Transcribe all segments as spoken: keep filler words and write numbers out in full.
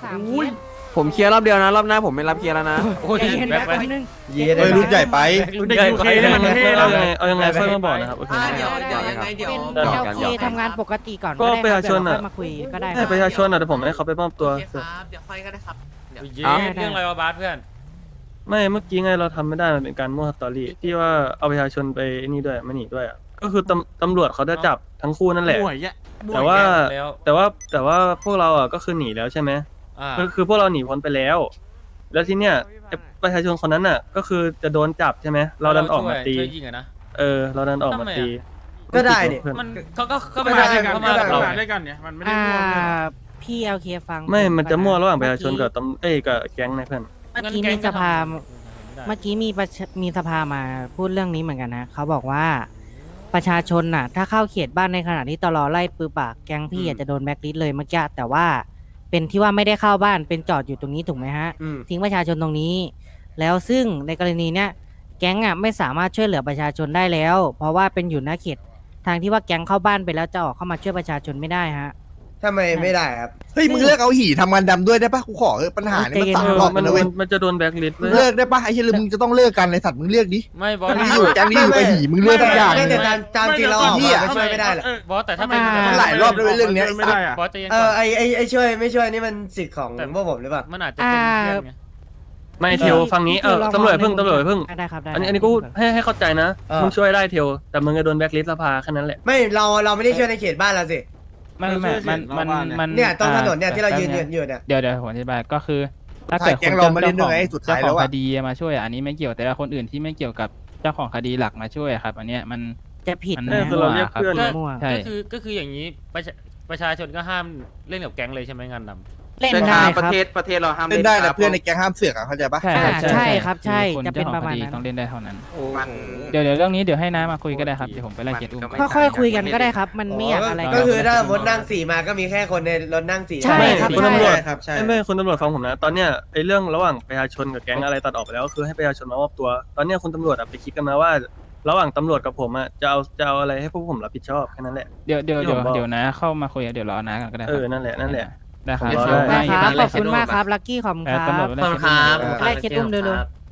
สามเคสผมเคลียร์รอบเดียวนะรอบหน้าผมไม่รับเคลียร์แล้วนะโอ้ยใจเย็นแบ็แป๊คบแบ็คนึงเย้ได้รุ่นใหญ่ไปรุ่นใหญ่ไปให้มันเท่เอาเลยยังไงเอายังไงค่อยมาบอกนะครับโอเคอ่าไหมเดี๋ยวเดี๋ยวยังไงเดี๋ยวเป็นหยอกโอกันเคหยอกกันทำงานปกติก่อนก็ได้ประชาชนเดี๋ยวอะเราค่อยมาคุยก็ได้คให้รับประชาชนอ่ะเดี๋ยวผมให้เขาไปมอบตัวโอเคครับเดี๋ยวค่อยก็ได้ครับเดี๋ยวเย้เอ้าเรื่องอะไรวะบาสเพื่อนไม่เมื่อกี้ไงเราทำไม่ได้มันเป็นการมั่วสตอรี่ที่ว่าเอาประชาชนไปนี่ด้วยไม่หนีด้วยอ่ะก็คือตำตำรวจเขาจะจับทั้งคู่นั่นแหละบ่วยแยะบ่ยแต่ว่าแล้วแต่ว่าแต่ว่าพวกเราอ่ะก็คือหนีแล้วใช่ไหมอ่าคือคือพวกเราหนีพ้นไปแล้ว แล้วทีเนี้ยไอ้ประชาชนคนนั้นอ่ะ ก็คือจะโดนจับใช่ไหมเราดันออกมาตีช่วยยิงอะนะเออ เราดันออกมาตีก็ได้เนี่ยเพื่อนมันเขาก็ก็ก็ไปมาได้ด้วยกันเขาก็มากับเรามาด้วยกันเนี่ยมันไม่ได้อ่าร่วมกันพี่เอลเคฟังไม่ มันจะมั่วระหว่างประชาชนเมื่อกับตำเอ้ยกับแก๊งนะเพื่อนเมื่อกี้มีสภา เมื่อกี้มีประชามีสภามาพูดเรื่องนี้เหมือนกันนะเขาบอกว่าประชาชนน่ะ ถ้าเข้าเขตบ้านในขณะที่ตลอไล่ปืนปากแก๊งพี่อาจจะโดนแบล็คลิสต์เลยเมื่อกี้แต่ว่าเป็นที่ว่าไม่ได้เข้าบ้านเป็นจอดอยู่ตรงนี้ถูกไหมฮะอืมทิ้งประชาชนตรงนี้ แล้วซึ่งในกรณีเนี้ยแก๊งอ่ะไม่สามารถช่วยเหลือประชาชนได้แล้ว เพราะว่าเป็นอยู่หน้าเขตทางที่ว่าแก๊งเข้าบ้านไปแล้วจะออกเข้ามาช่วยประชาชนไม่ได้ฮะทำไมไม่ได้ครับเฮ้ยมึงเลิกเอาหี่ทำงานดำด้วยได้ปะกูขอเออปัญหานี่มันใจเย็นสามเออรอบมันแล้วเว้มัยนมันจะโดนแบล็คลิสต์มึเลงยเลิกได้ปะไอ้เหี้ยมึงจะต้องเลิกกันในสัตว์มึงเลือกดิไม่บอสมึงอยู่แก๊งนี้อยู่กับหี่มึงเลือกทุกอย่างไม่แต่ตามตามจริงเราออกมาไม่ช่วยไม่ได้หรอกบอสแต่ถ้าเป็นอ่ามันหลายรอบด้วยเรื่องเนี้ยไม่ได้อะบอสใจะยังเอก่ออน ไอไอไอช่วยไม่ช่วยนี่มันสิทธิ์ของแต่พวกผมหรือเปล่ามันอาจจะเป็นเพื่อนไงไม่เทลฟังนี้ เออตำรวจเพิ่งตำรวจเพิ่งได้ครับได้อันนี้อันนี้กูให้ให้เข้าใจนะเออมึงช่วยได้เทลแต่มึงจะโดนแบล็คลิสต์สภาแค่นั้นแหละไม่เราเราไม่ได้ช่วยในเขตบ้านเราสิไม่ไม่มันมันมันเนี่ยตรงถนนเนี่ยที่เรายืนยืนอยู่เนี่ยเดี๋ยวเดี๋ยวผมอธิบายก็คือ ถ้าถ่าเกิยดแก๊คงนเราเจ้ามาเล่นด้วยไงสุดท้ายเจ้าขแล้องวคอะดีมาช่วยอันนี้ไม่เกี่ยวแต่ละคนอื่นที่ไม่เกี่ยวกับเจ้าของคดีหลักมาช่วยครับ อันเนี้ยมันจะผิดมันนะเออคือเราเรียกเพื่อนมั่วมั่วใช่ก็คือก็คืออย่างนี้ประชาประชาชนก็ห้ามเล่นกับแก๊งเลยใช่ไหมงานดำเล่นได้คประรับเทศประเทศเราห้ามเล่นได้แต่เพื่อนในแก๊งห้ามเสือกอะเข้าใจปะใช่อ่าใช่ใช่ครับใช่อคนจะเป็นจ้าขปองระมาณคดีนั้นต้องเล่นได้เท่านั้นมันเดี๋ยวเดี๋ยวเรื่องนี้เดี๋ยวให้น้ามาคุยก็ได้ครับเดี๋ยวผมไปไล่เคสอุ้มค่อยๆคุยกันก็ได้ครับ มันไม่อยากอะไรก็กันคือถ้ารถนั่งสี่มาก็มีแค่คนในรถนั่งสี่ใช่ครับคุณตำรวจครับใช่ไม่ไม่คุณตำรวจฟังผมนะ ตอนเนี้ยไอ้เรื่องระหว่างประชาชนกับแก๊งอะไรตัดออกไปแล้วก็คือให้ประชาชนมามอบตัว ตอนเนี้ยคุณตำรวจอะไปคิดกันมาว่า ระหว่างตำรวจกับผมอะจะเอาจะเอาอะไรให้พวกผมรับผิดชอบแค่นั้นแหละเดี๋ยวเดี๋ยวที่เดี๋ยวผมบอกเดี๋ยวนะเข้ามาคุยเดี๋ยวรอน้ากันก็ได้คเอรับอนั่นแหละนั่นแหละได้ครับผมรอได้ได้ครับได้ขอบคุณมากครับลักกี้ขอบคุณเอคอรับตำรวจไปไล่เคสอุ้มไล่เคสอุ้มเร็ว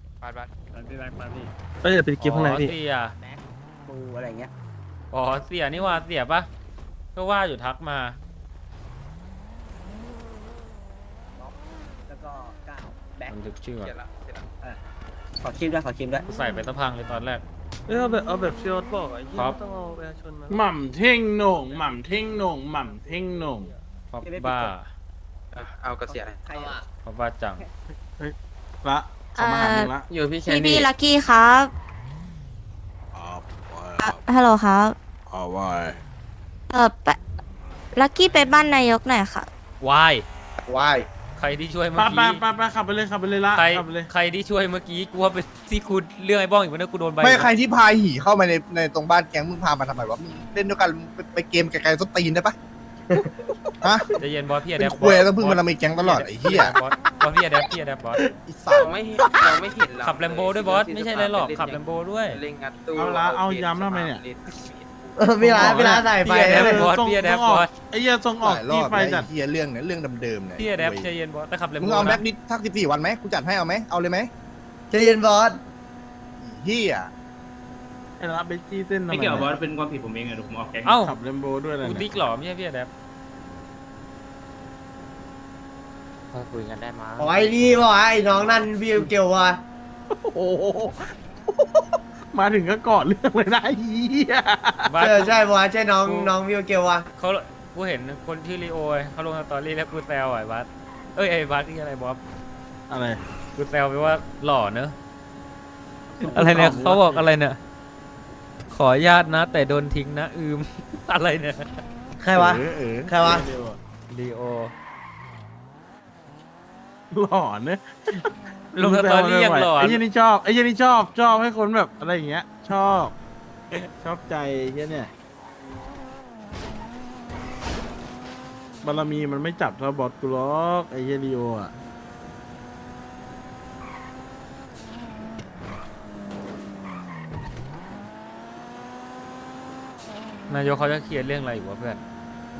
ก็จะไปกิฟต์ข้างในอ๋อพี่เสียปูอะไรเงี้ยอ๋อเสียนี่ว่าเสียปะก็ว่าอยู่ทักมาแล้วก็ก้าวแบ็คมันถึกชื่อเสร็จอะละเสร็จละขอคิมด้วยขอคิมด้วยกูใส่ไปสะพังเลยตอนแรกเออเอาแบบเอาแบบเชียร์บอกไอ้ยี่ครับต้องเอาประชาชนมาหม่ำเท่งโหน่งหม่ำเท่งโหน่งหม่ำเท่งโหน่งพอบบ้าอ่ะเอากระเสียใครอ่ะพอบบ้าจังละเขามาหามึงละอยู่พี่แคพี่นพี่ดี้ลักกี้ครับอ่ะฮัลโหลครับเอาไว้เออไปลักกี้ไปบ้านนายกหน่อยค่ะวายวายใครที่ช่วยเมื่ไปอไปกี้ไปไปขับไปเลยขับไปเลยละใครขับไปเลยใครที่ช่วยเมื่อกี้กูว่าเป็นที่กูเรื่องไอ้บ้องอีกวันนั้นกูโดนใบไม่ใครที่พาหี่เข้ามาในในตรงบ้านแก๊งมึงพามาทำไมวะมึงเล่นด้วยกันไปไปเกมไกลๆส้นตีนได้ปะฮะใจะเย็นบอสพี่อะเป็แดนปควยต้องพึ่งมันมีแก๊งตลอดไอ้เหี้ยบอสบอสพี่อะแดปพี่อะแดปบอสอีสัตเราว์ไม่เห็นเราไม่เห็นเราขับแลมโบด้วยบอสไม่ใช่อะไรหรอกขับแลมโบด้วยเล่นงัดตู้เอาละเอาย้ำทำไมเนี่ยเออพี่ร้านพี่ร้านใส่ไปพี่แอนะดบอสส่งพี่แดปส่งบอออกสไอ้เหี้ยส่งออกหลายรอที่บไฟแล้วจัดไอ้เหี้ยเรื่องเนี่ยเรื่องเดิมๆเนี่ยพี่อะแดปเว้ยใจเย็นบอสแต่ขับแลมมึโบงเอาแบ็นะคนิดทักสิบสี่วันไหมกูจัดให้เอาไหมเอาเลยไหมใจเย็นบอสเหี้ยไอ้ละเบจี้เส้นทำไมไม่เกี่ยวบอสเป็นความผิดผมเองไงผมออกแก๊งเอ้าขับเรมโบด้วยอะไรกูเนี่ยติ๊กหรอไม่ใช่พี่อะแดปคุยกันได้มั้ยอ๋อไอ้นี่บอกว่าไอ้น้องนั่นวิวเกลว่ะโอ้โหมาถึงก็กอดเรื่องเลยนะไอ้เหี้ยบอสเออใช่บอกว่าใช่น้องน้องวิวเกลว่ะเขากูเห็นคนชื่อลีโอเขาลงสตอรี่แล้วกูแซวไอ้บัสเอ้ยไอ้บัสที่อะไรบอสอะไรกูแซวไปว่าหล่อเนอะอะไรเนี่ยเขาบอกอะไรเนี่ยขออนุญาตนะ แต่โดนทิ้งนะอืม อะไรเนี่ยใครวะเออเออใครวะลีโอหล่อเนอะลงสตอรี่ยังหล่อไอ้เหี้ยนี่ชอบไอ้เหี้ยนี่ชอบชอบให้คนแบบอะไรอย่างเงี้ย ชอบ ชอบใจไอ้เหี้ยเนี่ยบารมีมันไม่จับเท่าบอสกูหรอกไอ้เหี้ยลีโออ่ะนายกเขาจะเคลียร์เรื่องอะไรอยู่วะเพื่อน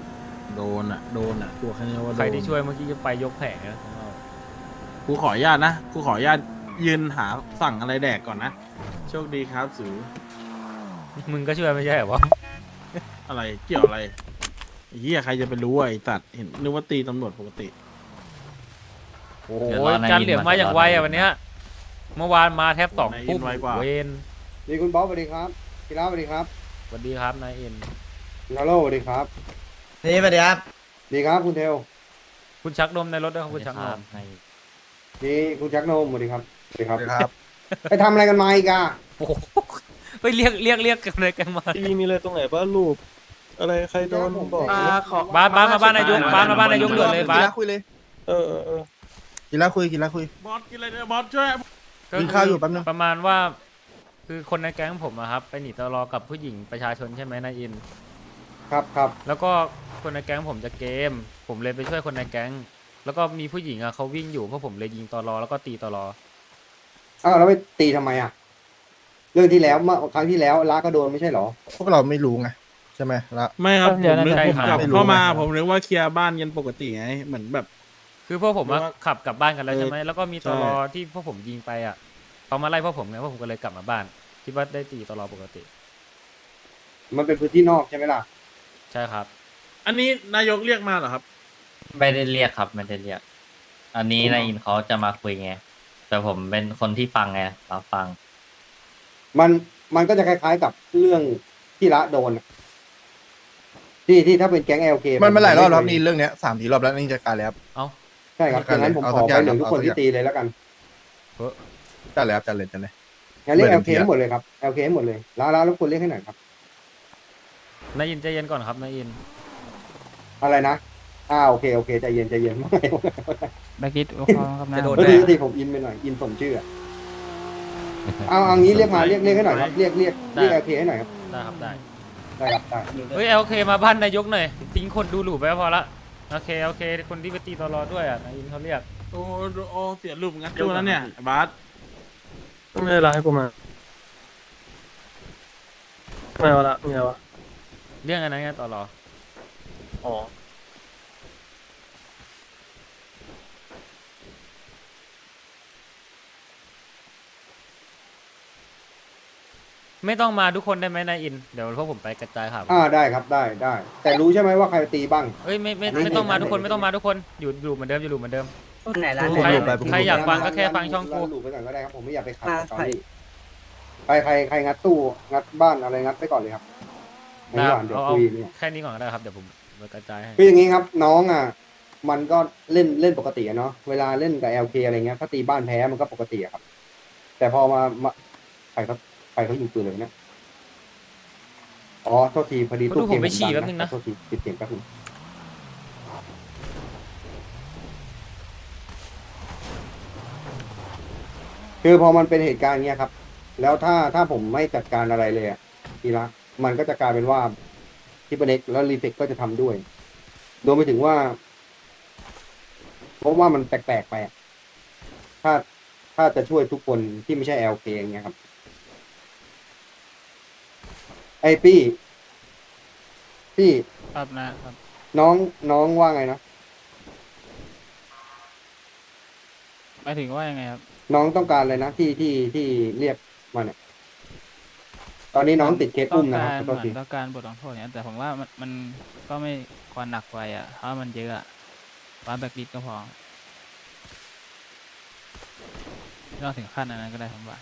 โดนอ่ะโดนอ่ะตัวแค่นี้ว่าโดนใครที่ช่วยเมื่อกี้จะไปยกแผงนะกูขออนุญาตนะกูขออนุญาตยืนหาสั่งอะไรแดกก่อนนะโชคดีครับสูมึงก็ช่วยไม่ใช่เหรอวะอะไรเกี่ยวอะไรไอ้เหี้ยใครจะไปรู้อ่ะไอ้สัตว์เห็นนึกว่าตีตำรวจปกติโอ้โหการเหลี่ยมมาอย่างไวอ่ะวันเนี้ยเมื่อวานมาแทบสองทุ่มเวนดีคุณบ๊อบสวัสดีครับพี่ล้าสวัสดีครับสวัสดีครับนายเอ็นนาโร่สวัสดีครับนี่สวัสดีครับดีครับคุณเทลคุณชักนมในรถด้วยครับคุณชักนมนี่คุณชักโนมสวัสดีครับสวัสดีครับครับไปทำอะไรกันมาอีกอะโอ้โหไปเรียกเรียกเรียกกันเลยกันมาตีมีอะไรตรงไหนบ้างรูป อะไรใครโดนบอกอ่าขอบ้านบ้านมาบ้านนายกบ้านมาบ้านนายกด่วนเลยบ้านกีฬาคุยเลยเออเออเออกีฬาคุยกีฬาคุยบอสกินอะไรเนี่ยบอสช่วยกินข้าวอยู่แป๊บนึงประมาณว่า คือคนในแก๊งผมอะครับไปหนีตลอกับผู้หญิงประชาชนใช่ไหมนายอินครับครับแล้วก็คนในแก๊งผมจะเกม ผมเลยไปช่วยคนในแก๊ง แล้วก็มีผู้หญิงอะเขาวิ่งอยู่เพราะผมเลยยิงตลอแล้วก็ตีตลออ้าวแล้วไปตีทำไมอะเรื่องที่แล้วเมื่อครั้งที่แล้วล้าก็โดนไม่ใช่เหรอพวกเราไม่รู้ไงใช่ไหมละไม่ครับผมนึกใช่ผมครับกลับไม่รู้เข้ามาไงผมนึกว่าเคลียร์บ้านกันปกติไงเหมือนแบบคือพวกผมอะหรือว่าขับกลับบ้านกันแล้วเออใช่ไหมแล้วก็มีตใช่ลอที่พวกผมยิงไปอะเขามาไล่พวกผมไงพวกผมก็เลยกลับมาบ้านคิดว่าได้ตีตลอปกติมันเป็นพื้นที่นอกใช่ไหมล่ะใช่ครับอันนี้นายกเรียกมาเหรอครับไม่ได้เรียกครับไม่ได้เรียก อันนี้นายอินเขาจะมาคุยไง แต่ผมเป็นคนที่ฟังไงรับฟังมันมันก็จะคล้ายๆกับเรื่องที่ละโดนอะที่ที่ถ้าเป็นแก๊ง แอล เคมันมันหลายรอบแล้วครับนี่เรื่องเนี้ยสามสี่รอบแล้วนี่จะการแล้วครับเอ้าใช่ครับดังนั้นผมเอาขสัอกอย่างไปเหลืองทุกคนเอาสักอย่างที่ตีเลยแล้วกันจัดเลยครับจัดเลยจัดเลยงั้นเรียกไม่แอเป็นล เคไรให้หมดเลยครับ แอล เค ให้หมดเลยล้าล้ารบกวนเรียกให้หน่อยครับนายอินใจเย็นก่อนครับนายอินอะไรนะอ่าโอเคโอเคใจเย็นใจเย็น ไม่แบ็กลิสต์ครับนะจะโดนเออทีทีผมอินไปหน่อยอินสมชื่ออะเอาเอางี้เรียกมาเรียกเรียกให้หน่อยครับเรียกเรียกเรียก แอล เค ให้หน่อยครับได้ครับได้ได้ครับได้เฮ้ยโอเคมาบ้านนายกหน่อยทิ้งคนดูหลูไปก็พอละโอเคโอเคคนที่ไปตีตลอด้วยอ่ะนายอินเขาเรียกโอ้โอ้เสียรูปงั้นตัวนั้นเนี่ยบาสไม่ได้ไลน์ให้กูมาไม่เอาละไม่เอาละเรื่องอะไรไงตลออ๋อไม่ต้องมาทุกคนได้ไหมนายอินเดี๋ยวพวกผมไปกระจายข่าวอ่าได้ครับได้ได้ แต่รู้ใช่ไหมว่าใครตีบ้างเอ้ยไม่ไม่ไม่ไม่ต้องมาไม่ทุกคนไม่ไม่ต้องมาทุกคนอยู่อยู่เหมือนเดิมอยู่เหมือนเดิมไหนร้านใครใครอยากฟังก็แค่ฟังช่องกูหลูไปก่อนก็ได้ครับผมไม่อยากไปขัดกับตอนนี้ใครใครใครงัดตู้งัดบ้านอะไรงัดไปก่อนเลยครับในได้ระหว่างเดี๋ยวเอาเอาคุยเนี่ยแค่นี้ก่อนก็ได้ครับเดี๋ยวผมไปกระจายให้คืออย่างนี้ครับ น้องอ่ะ มันก็เล่นเล่นปกติอะเนาะเวลาเล่นกับ แอล เค อะไรเงี้ยถ้าตีบ้านแพ้มันก็ปกติอะครับ แต่พอมามาใครเขาใครเขายิงปืนเลยเนี่ยอ๋อโทษทีพอดีเขาตู้ดูเกผมมไปฉี่ดัแป๊บนึงนะโทษทีปิดเสียงแป๊บนึงคือพอมันเป็นเหตุการณ์เงี้ยครับ แล้วถ้าถ้าผมไม่จัดการอะไรเลยอะทีละมันก็จะกลายเป็นว่าทิปเน็กแล้วรีเฟกก็จะทำด้วยรวมไปถึงว่าเพราะว่ามันแปลกๆไปอะถ้าถ้าจะช่วยทุกคนที่ไม่ใช่ แอล เค อย่างเงี้ยครับ ไอพี่พี่ครับนะครับน้องน้องว่าไงนะหมายถึงว่ายังไงครับน้องต้องการอะไรนะที่ที่ที่เรียกมาเนี่ย ตอนนี้น้องติดเคสต้ออุ้งมนะคัการรบเหโทษมือทีนต้องการบทลงโทษเนี่ยแต่ผมว่ามันมันก็ไม่ควรหนักไปอ่ะเพราะมันเยอะอะว่าแบ็กลิสต์ก็พอไม่ต้องถึงขั้นอันนั้นก็ได้ผมว่า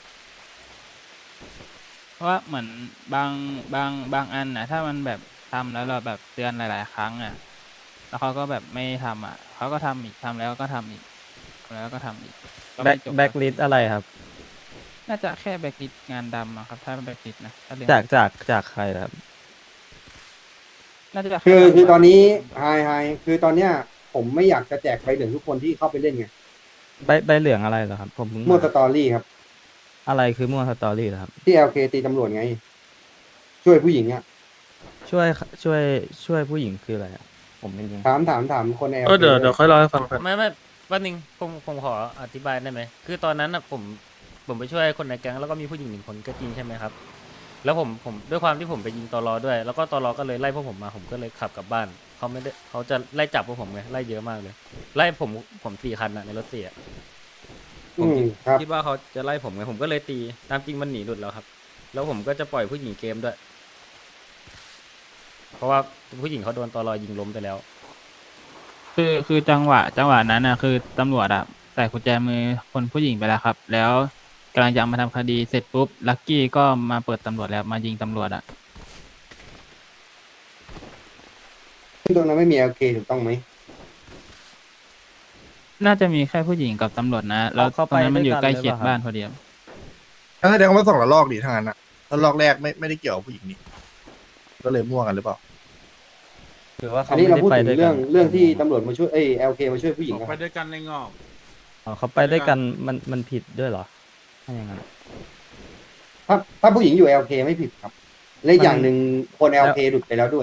เพราะว่าเหมือนบางบางบางอันนะถ้ามันแบบทำแล้วเราแบบเตือนหลาย ๆ ครั้งอ่ะแล้วเขาก็แบบไม่ทำอ่ะเขาก็ทำอีกทำแล้วก็ทำอีกทำแล้วก็ทำอีกก็แบ็ไม่คจบแบ็คลิสอะไรครับน่าจะแค่แบ็กลิสต์งานดำอะครับถ้าเป็นแบ็กลิสต์นะถ้าเรียนจากจากจากใครครับน่าจะแคือคือตอนนี้ดำไฮไฮคือตอนเนี้ย ผมไม่อยากจะแจกใบเหลืองทุกคนที่เข้าไปเล่นไงใบใบเหลืองอะไรเหรอครับ ผมเพิ่งมั่วมาสตอรี่ครับอะไรคือมั่วสตอรี่เหรอครับที่ แอล เค ตีตำรวจไง ช่วยผู้หญิงอ่ะช่วยช่วยช่วยผู้หญิงคืออะไรอะผมไม่รู้ถามถามถามคนใน แอลเออเคเดี๋ยวเดี๋ยวค่อยเล่าให้ฟังกันไม่ไม่แป๊บนึงผมผมขออธิบายได้ไหมคือตอนนั้นน่ะผมผมไปช่วยคนในแก๊งแล้วก็มีผู้หญิงหนึ่งคนก็จริงใช่ไหมครับแล้วผมผมด้วยความที่ผมไปยิงตอรอด้วย แล้วก็ตอรอก็เลยไล่พวกผมมาผมก็เลยขับกลับบ้านเขาไม่ได้เขาจะไล่จับพวกผมไงไล่เยอะมากเลย ไล่ผมผมสี่คันอะในรถสี่อะผอืมมคิดครับคิดว่าเขาจะไล่ผมไงผมก็เลยตีตามจริงมันหนีหลุดแล้วครับ แล้วผมก็จะปล่อยผู้หญิงเกมด้วย เพราะว่าผู้หญิงเขาโดนตอรอยิงล้มไปแล้วคือคือจังหวะจังหวะนั้นอ่ะคือตำรวจอ่ะใส่กุญแจมือคนผู้หญิงไปแล้วครับ แล้วกำลังจะเอามาทำคดีเสร็จปุ๊บลักกี้ก็มาเปิดตำรวจแล้วมายิงตำรวจอ่ะซึ่งตรงนั้นไม่มี แอล เค ถูกต้องไหมน่าจะมีแค่ผู้หญิงกับตำรวจนะ แล้วตเขารไปงนั้นมันอยู่ด้วยกันใกล้เคียงหรือเปล่าบ้านพอดีครับถ้าแสดงว่าสองละลอกดิทางนั้นอะแล้วลอกแรกไม่ไม่ได้เกี่ยวกับผู้หญิงนี่ก็เลยมั่วกันหรือเปล่าหรือว่าอัเขานนี้ไม่เราได้พูดไปถึงด้วยเรื่กัองนเรื่องที่ตำรวจมาช่วยเอ้ย แอล เค มาช่วยผู้หญิงออกนะคไปรับด้วยกันในงอกอ๋อเขาไปด้วยกันมันมันผิดด้วยเหรอถ้าอย่างนั้นถ้าถ้าผู้หญิงอยู่ แอล เค ไม่ผิดครับ และอีกอย่างหนึ่งคน แอล เค หลุดไปแล้วด้วย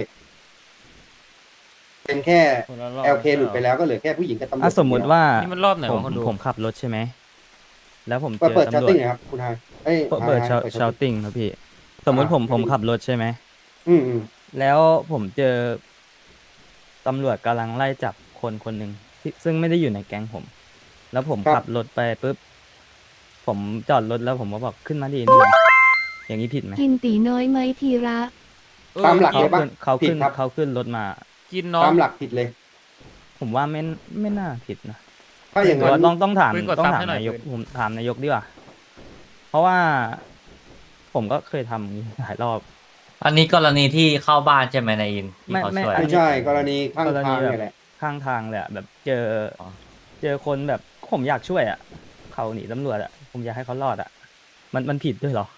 เป็นแค่คนละรอบแอล เค หลุดไปแล้วก็เหลือแค่ผู้หญิงกับตำรวจอ่ะสมมุติว่านี่มันรอบไหนผมวะคนดูผมขับรถใช่ไหม แล้วผมเปิดเจอเปิดชาตำรวติ้จงนะครับคุณไฮเอ้ยเปิดเปิดไฮชาเปิดชาวติ้งครับพี่ สมมุติผมอ่าผมขับรถใช่ไหมอืมอืมแล้วผมเจอตำรวจกำลังไล่จับคนคนหนึ่งที่ซึ่งไม่ได้อยู่ในแก๊งผม แล้วผมขับรถไปปุ๊บ ผมจอดรถแล้วผมก็บอกขึ้นมาดีนี่อย่างนี้ผิดไหมกินตีน้อยไหมทีระเออตามหลักเขาเลยปะขึ้นเขาผิดขึ้นครับเขาขึ้นรถมากินน้องตามหลักผิดเลยผมว่าไม่ไม่น่าผิดนะถ้าอย่างแต่นั้ว่าน ต้องต้องถามปืนกดต้องซับถามให้หน่อยนายกปืนผมถามนายกดีกว่า เพราะว่าผมก็เคยทำอย่างนี้หลายรอบอันนี้กรณีที่เข้าบ้านใช่ไหมนายอินที่ไม่เขาไม่ช่วยอันไม่นี้ใช่กรณีข้างกรณีทางแบบเนี่ยแหละข้างทางเลยอะแบบเจอออเจอคนแบบผมอยากช่วยอ่ะ เขาหนีตำรวจอ่ะ ผมอยากให้เขารอดอ่ะ มันมันผิดด้วยเหรอ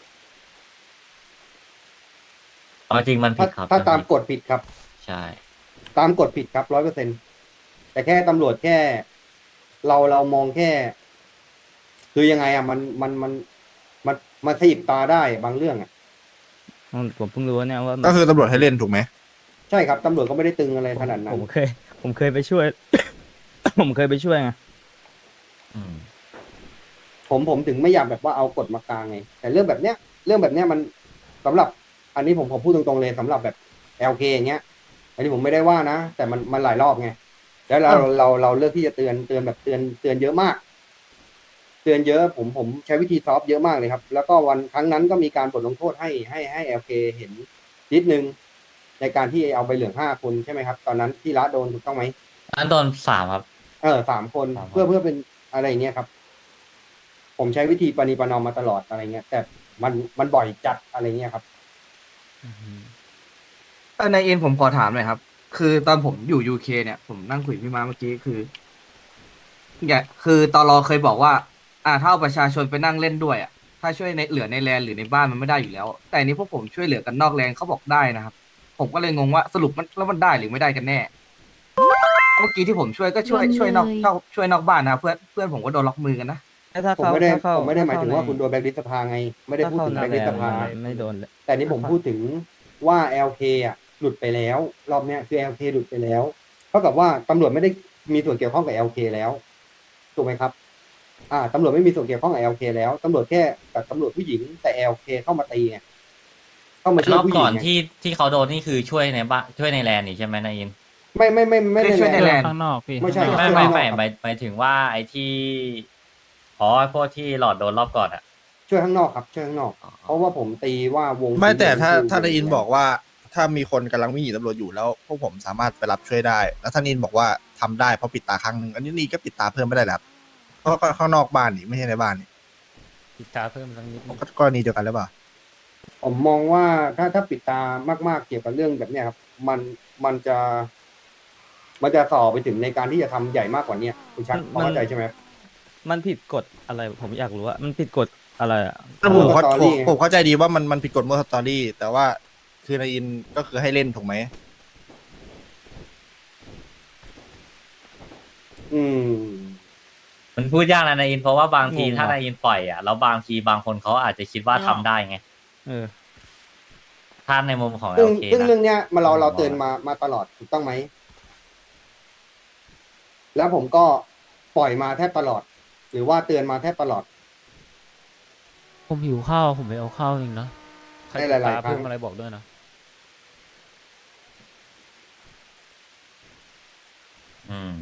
เอาจริงมันผิถ้าดครับถ้าตามนผิดกฎผิดครับใช่ตามกฎผิดครับร้อยเปอร์เซ็นแต่แค่ตำรวจแค่ เราเรามองแค่ คือยังไงอ่ะมันมันมันมันมันขยิบตาได้บางเรื่องอ่ะผมเพิ่งรู้เนี่ยว่าก็คือตำรวจให้เล่นถูกไหมใช่ครับตำรวจก็ไม่ได้ตึงอะไรขนาดนั้ผนมเคย ผมเคยไปช่วย ผมเคยไปช่วยไงอืมผมผมถึงไม่อยากแบบว่าเอากฎมากลางไง แต่เรื่องแบบเนี้ย เรื่องแบบเนี้ยมันสำหรับ อันนี้ผมผมพูดตรงๆเลยสำหรับแบบ แอล เค อย่างเงี้ย อันนี้ผมไม่ได้ว่านะ แต่มันมันหลายรอบไง แล้วเราเราเราเลือกที่จะเตือนเตือนแบบเตือนเตือนเยอะมาก เตือนเยอะ ผมผมใช้วิธีซอฟต์เยอะมากเลยครับ แล้วก็วันครั้งนั้นก็มีการบทลงโทษให้ให้ให้ แอล เค เห็นนิดนึง ในการที่เอาใบเหลืองห้าคนใช่ไหมครับ ตอนนั้นที่ละโดนถูกต้องไหมอันโดนสามครับเออสามคนสามคนเพื่อเพื่อเป็นอะไรอย่างเงี้ยครับ ผมใช้วิธีปณีประนอมมาตลอดอะไรเงี้ย แต่มันมันบ่อยจัดอะไรเงี้ยครับเออนายเอ็นผมขอถามหน่อยครับ คือตอนผมอยู่ยูเคเนี่ย ผมนั่งคุยกับพี่มาเมื่อกี้คือเนี่ยคือตอรอเคยบอกว่า อ่าถ้าเอาประชาชนไปนั่งเล่นด้วยอ่ะถ้าช่วยในเหลือในแลนหรือในบ้านมันไม่ได้อยู่แล้ว แต่อันนี้พวกผมช่วยเหลือกันนอกแลนเขาบอกได้นะครับ ผมก็เลยงงว่าสรุปมันแล้วมันได้หรือไม่ได้กันแน่ เมื่อกี้ที่ผมช่วยก็ช่วยช่วยนอกเข้าช่วยนอกบ้านนะเพื่อนเพื่อนผมก็โดนล็อกมือกันนะถ้าผมเขาไม่ได้ถ้าเขาผมไม่ได้หมายถึงว่าถ้คุณโดนแบล็คลิสต์สภาไง ไม่ได้ถ้าพูดเข้าถึงในแบล็คลิสต์สภาไม่ไม่โดนเลยแต่นี่ผมพูดถึงว่า แอล เค อ่ะ หลุดไปแล้ว รอบเนี้ยคือ แอล เค หลุดไปแล้วเท่ากับว่าตำรวจไม่ได้มีส่วนเกี่ยวข้องกับ แอล เค แล้วถูกไหมครับ อ่าตำรวจไม่มีส่วนเกี่ยวข้องกับ แอล เค แล้วตำรวจแค่กับตำรวจผู้หญิงแต่ แอล เค เข้ามาตีไงเข้ามาช่วรยอบผู้หญิก่งอนไงที่ที่เขาโดนนี่คือช่วยในบ้านช่วยในแลนด์นี่ใช่ไหมนายอินไม่ไม่ไม่ไม่ได้ช่วยในแลแลนนด์ข้างนอกพี่ไม่ใช่ไม่ข้างนไม่อกไม่ครับหมายหมายถึงว่าไอ้ที่อ๋อไอ้พวกที่หลอดโดนรอบก่อนอ่ะช่วยข้างนอกครับช่วยข้างนอก เพราะว่าผมตีว่าวงไม่แต่ถ้าคือถ้านายอินบอกว่า ถ้ามีคนกำลังวิ่งหนีตำรวจอยู่แล้ว พวกผมสามารถไปรับช่วยได้ แล้วท่านอินบอกว่าทำได้เพราะปิดตาครั้งหนึ่งอันนี้นี่ก็ปิดตาเพิ่มไม่ได้แล้วครับเพราะก็ข้างนอกบ้านนี่ไม่ใช่ในบ้านนี่ปิดตาเพิ่มสักนิดนึงก็กรณีเดียวกันหรือเปล่าผมมองว่าถ้าถ้าปิดตามากๆเกี่ยวกับเรื่องแบบเนี้ยครับ มันมันจะ มันจะส่อไปถึงในการที่จะทำใหญ่มากกว่าเนี้ยคุณชักพอเข้าใจใช่ไหมครับมันผิดกฎอะไรผมอยากรู้ว่ามันผิดกฎอะไรอ่ะแต่ผมเข้าสตอรี่ผมผมเข้าใจดีว่ามันมันผิดกฎเมื่อสตอรี่ แต่ว่าคือนายอินก็คือให้เล่นถูกไหมอืมมันพูดยากนะนายอินเพราะว่าบางทีงงว่ะถ้านายอินปล่อยอ่ะแล้วบางทีบางคนเขาอาจจะคิดว่าทำได้ไงเออถ้าในมุมของซึ่โอง เคซึ่งนะเรื่องเนี้ยมาเราเราผมว่าเตือนมามาตลอดถูกต้องไหม แล้วผมก็ปล่อยมาแทบตลอด หรือว่าเตือนมาแทบตลอดผมหิวข้าวผมไปเอาข้าวเองนะใครในติดหลายตาๆครั้เพิ่งมอะไรบอกด้วยนะอืม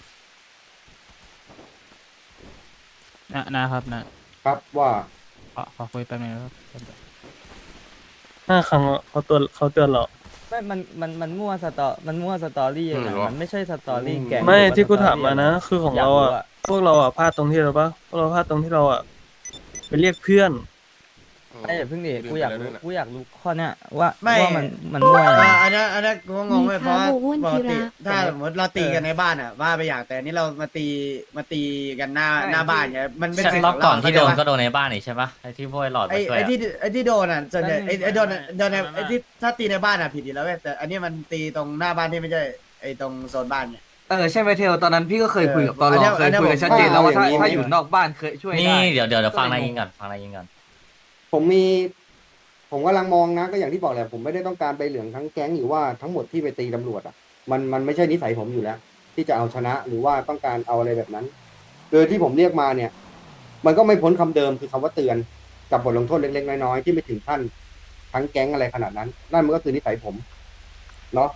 นะนะครับนะครับว่าขอขอคุยแป๊บนึงนะครับห้าครั้งเขาตัวเขาเตือนเราไม่มันมันมันมั่วสตอมันมั่วสตอรี่ยังไงมันไม่ใช่สตอรี่แกงไม่หรือว่าที่กูสตอถามมานะ คือของเรายกอ่ะ พวกเราอ่ะพลาดตรงที่เราปะพวกเราพลาดตรงที่เราอ่ะไปเรียกเพื่อนไอ้อย่าเพิ่งดิกูอยากรู้กูอยากรู้ข้อเนี้ยว่าไม่ว่ามันมันมั่วยังไงอ่าอันนี้อันนี้กูก็งงไปเพราะว่ามีพระบุญปกติธีระถ้าสมมติเราตีกันในบ้านอ่ะว่าไปอย่างแต่อันนี้เรามาตีมาตีกันหน้าหน้าบ้านเนี่ยมันเป็นใช่สิทธิ์รขอบองก่เราอนที่โดนเข้าใจปะก็โดนในบ้านนี่ใช่ปะไอ้ที่พวกไอ้หลอดไอ้มาช่วยไอ้อะที่ไอ้ที่โดนอ่ะส่วนใหญ่ไอ้ไอ้โดนโดนในไอ้ที่ถ้าตีในบ้านอ่ะผิดอยู่แล้วเว้ยแต่อันนี้มันตีตรงหน้าบ้านที่ไม่ใช่ไอ้ตรงโซนบ้านเนี่ยเออใช่ไหมเทลตอนนั้นพี่ก็เคยคุยกับตอนอันรเนี้อย เคอัยนเนี้ยคุยกันชัดเจนแล้วว่าถ้าผมถ้าอยู่นอกบ้านเคยช่วยนี่ได้เดี๋ยวเดี๋ยวเดี๋ยวฟังนายยิงก่อนฟังนายยิงก่อนผมมี ผมกำลังมองนะ ก็อย่างที่บอกแหละผมไม่ได้ต้องการใบเหลืองทั้งแก๊งหรือว่าทั้งหมดที่ไปตีตำรวจอ่ะมันมันไม่ใช่นิสัยผมอยู่แล้ว ที่จะเอาชนะหรือว่าต้องการเอาอะไรแบบนั้นโดยที่ผมเรียกมาเนี่ย มันก็ไม่พ้นคำเดิมคือคำว่าเตือนกับบทลงโทษเล็กๆน้อยๆที่ไม่ถึงขั้นทั้งแก๊งอะไรขนาดนั้นนั่นมันก็คือนิสัยผมเนาะ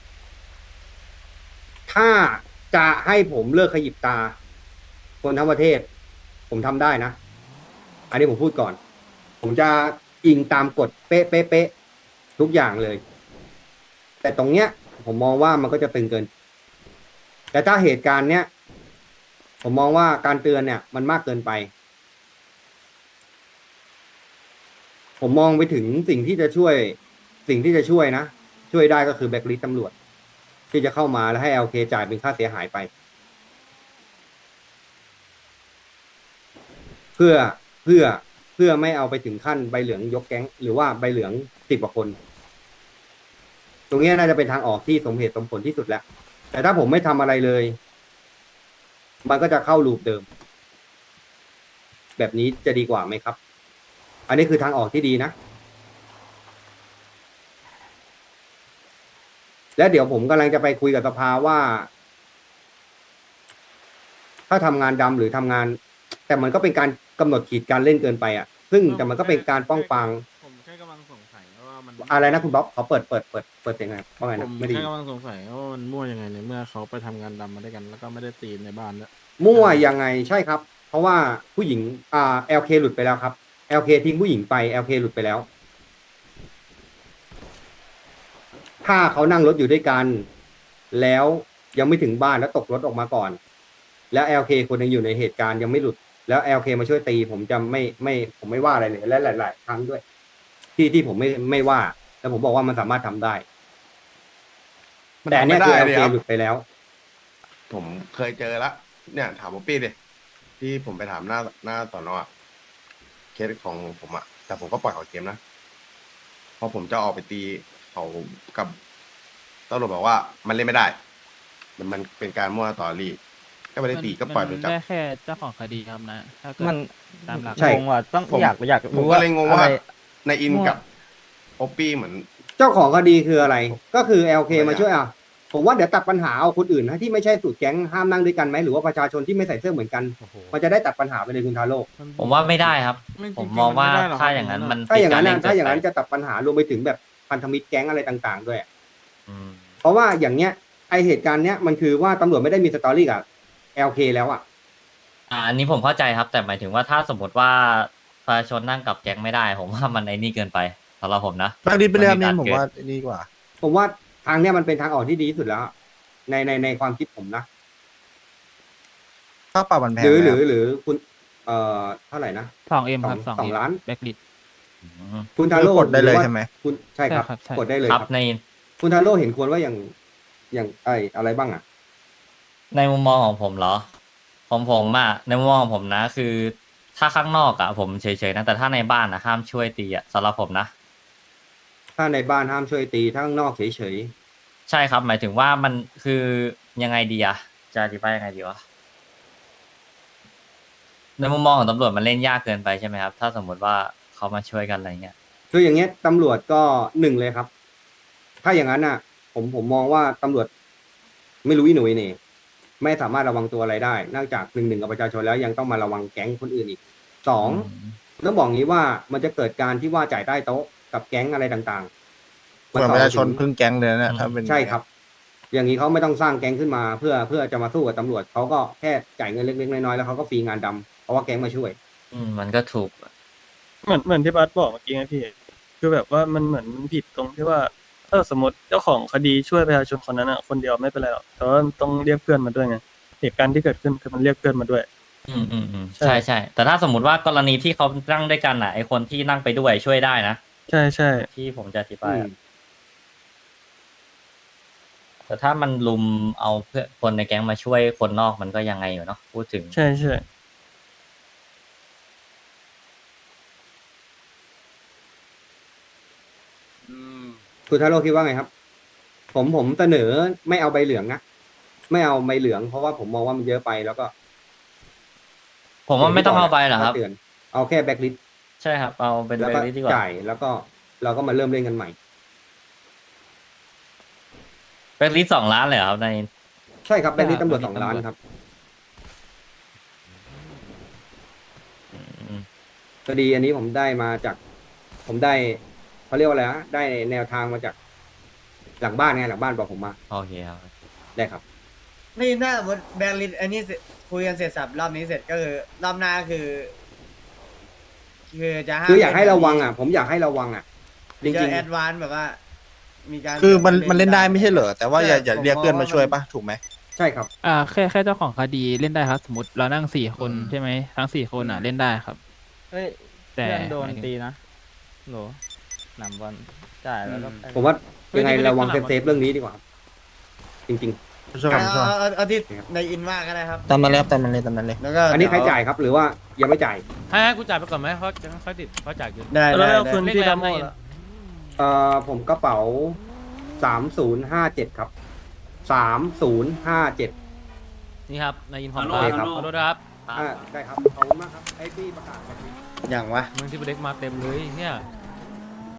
ถ้าจะให้ผมเลิกขยิบตา คนทั้งประเทศ ผมทำได้นะ อันนี้ผมพูดก่อน ผมจะอิงตามกฎเป๊ะเป๊ะเป๊ะทุกอย่างเลย แต่ตรงเนี้ย ผมมองว่ามันก็จะตึงเกิน แต่ถ้าเหตุการณ์เนี้ยผมมองว่าการเตือนเนี่ย มันมากเกินไป ผมมองไปถึงสิ่งที่จะช่วย สิ่งที่จะช่วยนะ ช่วยได้ก็คือแบล็คลิสต์ตำรวจ ที่จะเข้ามาแล้วให้ แอล เค จ่ายเป็นค่าเสียหายไป เพื่อเพื่อเพื่อไม่เอาไปถึงขั้นใบเหลืองยกแก๊ง หรือว่าใบเหลืองสิบกว่าคน ตรงนี้น่าจะเป็นทางออกที่สมเหตุสมผลที่สุดแล้ว แต่ถ้าผมไม่ทำอะไรเลย มันก็จะเข้าลูปเดิม แบบนี้จะดีกว่าไหมครับ อันนี้คือทางออกที่ดีนะ และเดี๋ยวผมกำลังจะไปคุยกับสภาว่า ถ้าทำงานดำหรือทำงาน แต่มันก็เป็นการกำหนดขีดการเล่นเกินไปอ่ะ ซึ่งแต่มันก็เป็นการป้องปรางผมแค่กำลังสงสัยว่ามันอะไรนะคุณบ๊อบขอเปิดเปิดเปิดเปิดเสียงหน่อยว่าไงผนะมไม่ไดีแค่กำลังสงสัยว่ามันมั่วยังไงในเมื่อเขาไปทำงานดำมาด้วยกัน แล้วก็ไม่ได้ตีในบ้านด้วยมั่วยังไงใช่ครับ เพราะว่าผู้หญิงอ่า แอล เค หลุดไปแล้วครับ แอล เค ทิ้งผู้หญิงไป แอล เค หลุดไปแล้ว ถ้าเขานั่งรถอยู่ด้วยกัน แล้วยังไม่ถึงบ้านแล้วตกรถออกมาก่อน แล้ว แอล เค คนยังอยู่ในเหตุการณ์ยังไม่หลุด แล้ว แอล เค มาช่วยตี ผมจะไม่ไม่ผมไม่ว่าอะไรเลยและหลาย ๆ ครั้งด้วย ที่ที่ผมไม่ไม่ว่าแล้วผมบอกว่ามันสามารถทำได้มันแต่อันเนี้ยทำไม่คือได้แอลเลยเคครับหลุดไปแล้วผมเคยเจอละเนี่ยถามป๊อปปี้ดิที่ผมไปถามหน้าหน้าสอนอะเคสของผมอะแต่ผมก็ปล่อยเขาเกมนะพอผมจะออกไปตีเขากับตำรวจบอกว่ามันเล่นไม่ได้ มันมันเป็นการมั่วต่อรีก็ไม่ได้ตีก็ปล่อยไปมันจับได้แค่เจ้าของคดีครับนะถ้าเกิดมันตามหลักใช่งงว่ะต้องผมอยากอยากผมรู้ก็ว่าเลยงงว่าอะไรในอินมั่วกับป๊อปปี้เหมือนเจ้าของคดีคืออะไร ก็คือ แอล เคอะไรอะมาช่วยอ่ะ ผมว่าเดี๋ยวตัดปัญหาเอาคนอื่นนะที่ไม่ใช่สูตรแก๊งห้ามนั่งด้วยกันไหมหรือว่าประชาชนที่ไม่ใส่เสื้อเหมือนกันโอ้โหมันจะได้ตัดปัญหาไปเลยคุณทาโร่ผมว่าไม่ได้ครับไม่จริงๆผมมองว่ามันไม่ได้หรอกถ้าอย่างนั้นมันถ้าอย่างนั้นผิดนะกรถ้าอย่างนั้นเล่จะตัดปัญหารวมไปถึงแบบพันธมิตรแก๊งอะไรต่างๆ ด้วยอืมเพราะว่าอย่างเนี้ยไอเหตุการณ์เนี้ยมันคือว่าตำรวจไม่ได้มีสตอรี่กับ แอล เค แล้วอ่ะอ่าอันนี้ผมเข้าใจครับ แต่หมายถึงว่าถ้าสมมติว่าประชาชนนั่งกับแก๊งไม่ได้ ผมว่ามันไอ้นี่เกินไปสำหรับผมนะบางทีไปเรียนนเนี่ยกผมว่าดีกว่าผมว่าทางเนี้ยมันเป็นทางออกที่ดีที่สุดแล้ว ในในในความคิดผมนะค่าปรับมันแพงหรือไหมหครืรัอบ หรือคุณเอ่อเท่าไหร่นะสองเอ็มสองครับสองสองล้านแบ็กลิดอืมคุณทาโร่กดได้เลยรือว่าใช่ไหมคุณใช่ครับใช่ครับใช่กดได้เลยคครัรับบ ในคุณทาโร่เห็นควรว่าอย่างอย่างไออะไรบ้างอ่ะในมุมมองของผมเหรอของผมอะในมุมมองของผมนะ คือ ถ้าข้างนอกอะผมเฉยๆนะแต่ถ้าในบ้านนะห้ามช่วยตีอะสำหรับผมนะถ้าในบ้านห้ามช่วยตีถ้าข้างนอกเฉยใช่ครับ หมายถึงว่ามันคือยังไงดีอะจะอธิบายยังไงดีวะในมุมมองของตำรวจมันเล่นยากเกินไปใช่ไหมครับ ถ้าสมมติว่าเขามาช่วยกันอะไรเงี้ยๆคืออย่างเงี้ยตำรวจก็หนึ่งเลยครับ ถ้าอย่างนั้นอ่ะ ผมผมมองว่าตำรวจไม่รู้อีหนุ่ยนี่ไม่สามารถระวังตัวอะไรได้ นอกจากหนึ่งหนึ่งกับประชาชนแล้วยังต้องมาระวังแก๊งคนอื่นอีกสองต้องบอกงี้ว่ามันจะเกิดการที่ว่าจ่ายใต้โต๊ะกับแก๊งอะไรต่างๆเหมือนประชาชนพึ่งแก๊งเลยนะถ้าเป็นใช่ครับ อย่างนี้เขาไม่ต้องสร้างแก๊งขึ้นมา เพื่อเพื่อจะมาสู้กับตำรวจเขาก็แค่จ่ายเงินเล็กๆน้อยๆแล้วเขาก็ฟรีงานดำเพราะว่าแก๊งมาช่วยอืมมันก็ถูกเหมือนเหมือนที่บัสบอกเมื่อกี้ไงพี่ คือแบบว่ามันเหมือนมันผิดตรงที่ว่าถ้าสมมติเจ้าของคดีช่วยประชาชนคนนั้นอ่ะคนเดียวไม่เป็นไรหรอกแต่ว่าต้องเรียกเพื่อนมาด้วยไงเหตุการณ์ที่เกิดขึ้นคือมันเรียกเพื่อนมาด้วยอืมอืมอืมใช่ใช่ใช่แต่ถ้าสมมติว่ากรณีที่เขานั่งด้วยกันอ่ะไอคนที่นั่งไปด้วยช่วยได้นะใช่ใช่ที่ผมจะอธิบายอะแต่ถ้ามันลุมเอาเพื่อนคนในแก๊งมาช่วยคนนอกมันก็ยังไงอยู่เนาะพูดถึงใช่ใช่คุณทาโร่คิดว่าไงครับ ผมผมเสนอไม่เอาใบเหลืองนะไม่เอาใบเหลืองเพราะว่าผมมองว่ามันเยอะไปแล้วก็ผมว่าไม่ต้องเอาไปหรอกครับเตือนเอาแค่แบ็คลิสต์ใช่ครับ เอาเป็นแล้วเบก็ลลี่ดีกว่าจ่ายแล้วก็เราก็มาเริ่มเล่นกันใหม่เบลลี่สองล้านเลยเหรอครับในใช่ครับแบ็คลิสต์ตำรวจสองล้านครับอืมคดีอันนี้ผมได้มาจาก ผมได้เขาเรียกว่าอะไรนะได้แนวทางมาจาก หลังบ้านไงหลังบ้านบอกผมมาโอเคครับได้ครับนี่ถ้าสมมติแบงค์ลิสอันนี้เสร็จคุยกันเสร็จสับรอบนี้เสร็จก็คือรอบหน้าคือ คือจะห้ามคืออยากให้ระวังอ่ะ ผมอยากให้ระวังอ่ะ จจะริงแอดวานซ์แบบว่า มีการคือมันมันเล่นได้ไม่ใช่เหรอแต่ว่าอย่าอย่าผมเรียกเพื่อนมองมาว่าช่วยมันปะถูกไหมๆ ใช่ครับอ่าแค่แค่เจ้าของคดีเล่นได้ครับ สมมติเรานั่งสี่คนใช่ไหมทั้งสี่คนอ่ะเล่นได้ครับเฮ้ยแต่เพื่อนโดนหมายถึงตีนะโหลหนำบอลจ่ายแล้วก็ไปผมว่ายังไงระวังเซฟๆเรื่องนี้ดีกว่าครับจริงช่วยกันช่วยเอาเอาเอาที่ในอินว่าก็ได้ครับตามนั้นเลยครับตามนั้นเลยตามนั้นเลยแล้วก็ๆ อันนี้ใครเดี๋วจ่ายครับ หรือว่ายังไม่จ่ายให้ให้กูจ่ายไปก่อนไหมเขาจะค่อยติดเขาจ่ายอยู่ได้แล้ได้วได้คืนพี่ดำโมเลขอะไรละเอ่อผมกระเป๋าสามศูนย์ห้าเจ็ดครับสามศูนย์ห้าเจ็ดนี่ครับในอินพอร์ตโอเคครับขอโทษนะครับอ่าได้ครับ ขอบคุณมากครับไอ้พี่ประกาศแบบนี้อย่างวะเมืองที่เด็กมาเต็มเลยเนี่ย